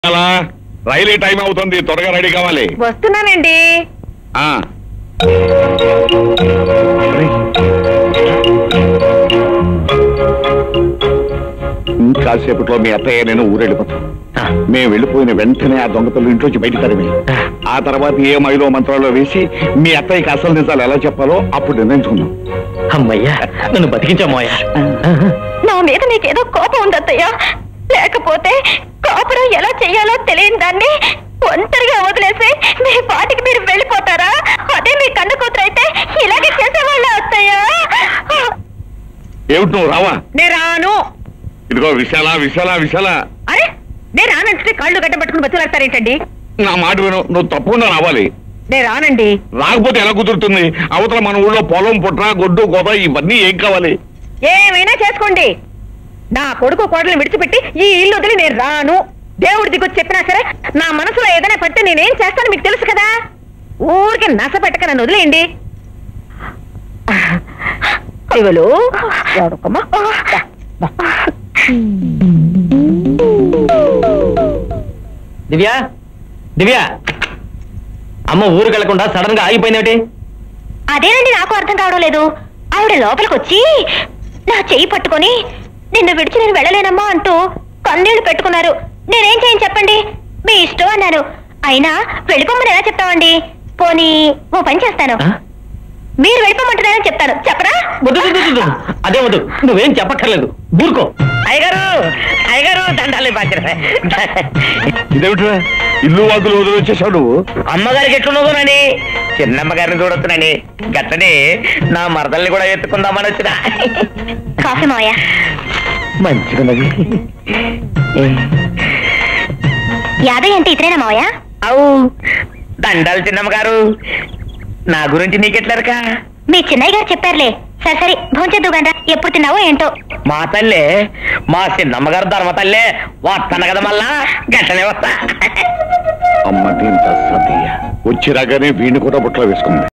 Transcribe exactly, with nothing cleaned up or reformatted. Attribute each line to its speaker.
Speaker 1: రైలు time అవుతుంది, త్వరగా ready కావాలి.
Speaker 2: వస్తున్నానండి.
Speaker 1: ఇంకాసేపట్లో మీ అత్తయ్య నేను ఊరెళ్ళిపోతాం. మేము వెళ్ళిపోయిన వెంటనే ఆ దొంగతలు ఇంట్లోంచి బయట తరిమి ఆ తర్వాత ఏ మైలో మంత్రాల్లో వేసి మీ అత్తయ్యకి అసలు నిజాలు ఎలా చెప్పాలో అప్పుడు నిర్ణయించుకుందాం.
Speaker 3: అమ్మయ్యా, నన్ను బతికించామోయా.
Speaker 2: నా మీద నీకేదో కోపం ఉంది అత్తయ్య. లేకపోతే కాపురం ఎలా చెయ్యాలో తెలియని దాన్ని ఒంటరిగా వదిలేసి మీ పాటికి మీరు వెళ్ళిపోతారా? అదే మీ కన్ను కూతురు అయితే ఇలాగే చేసేవాళ్ళ అత్తయ్య.
Speaker 1: ఏమిటి నువ్వు రావా?
Speaker 2: నేను రాను.
Speaker 1: ఇదిగో విశాల విశాల విశాల.
Speaker 2: అరే నేను రానంటే కాళ్ళు గడ్డ పట్టుకుని బతులాడతారేంటండి?
Speaker 1: నా మాట విను, నువ్వు తప్పకుండా రావాలి.
Speaker 2: నేను రానండి.
Speaker 1: రాకపోతే ఎలా కుదురుతుంది? అవతల మన ఊళ్ళో పొలం పుట్ర గొడ్డు కోత ఇవన్నీ ఏం కావాలి?
Speaker 2: ఏమైనా చేసుకోండి. నా కొడుకు కోడలు విడిచిపెట్టి ఈ ఇల్లు వదిలి నేను రాను. దేవుడి దిగొచ్చి చెప్పినా సరే నా మనసులో ఏదైనా పడితే నేనేం చేస్తాను మీకు తెలుసు కదా. ఊరికి నస పెట్టక నన్ను వదిలేయండి. ఇవలు
Speaker 3: దివ్య దివ్య, అమ్మ ఊరికి వెళ్లకుండా సడన్ గా ఆగిపోయిందేమిటి?
Speaker 2: అదేనండి నాకు అర్థం కావడం లేదు. ఆవిడ లోపలికి వచ్చి నా చెయ్యి పట్టుకొని నిన్ను విడిచి నేను వెళ్ళలేనమ్మా అంటూ కన్నీళ్లు పెట్టుకున్నారు. నేనేం చేయను చెప్పండి? మీ ఇష్టం అన్నారు. అయినా వెళ్ళిపోమని ఎలా చెప్తామండి? పోనీ ఓ పని చేస్తాను, మీరు వెళ్ళిపోమంటున్నారని చెప్తాను. చెప్పరా?
Speaker 3: అదే వద్దు, నువ్వేం చెప్పక్కర్లేదు, ఊరుకో.
Speaker 4: అయ్యగారు అయ్యగారు దండాలి బాధ్యత.
Speaker 1: ఇదేమిట్రా ఇల్లు వాదులు వదిలి వచ్చేసావు నువ్వు?
Speaker 4: అమ్మగారికి ఎట్లున్నదోనని చిన్నమ్మగారిని చూడొచ్చునని గట్టని నా మరదల్ని కూడా ఎత్తుకుందామని వచ్చిన.
Speaker 2: కాఫీ మావయ్య.
Speaker 4: మంచిగున్నది.
Speaker 2: యాదయ్య అంటే ఇతరేనా మావయ్య?
Speaker 4: అవు దండాలు చిన్నమ్మగారు. నా గురించి నీకెట్లరక?
Speaker 2: మీ చిన్నయ్య గారు చెప్పారులే. సరే సరే భోంచేద్దు గండ్రా. ఎప్పుడు తిన్నావో ఏంటో.
Speaker 4: మా తల్లే, మా చిన్నమ్మగారు ధర్మ తల్లే వస్తాను కదా మళ్ళా గట్టనే వస్తా.
Speaker 1: అమ్మ దీంత సతీయ వచ్చి రాగానే వీణి కూడా బుట్టలో వేసుకుంది.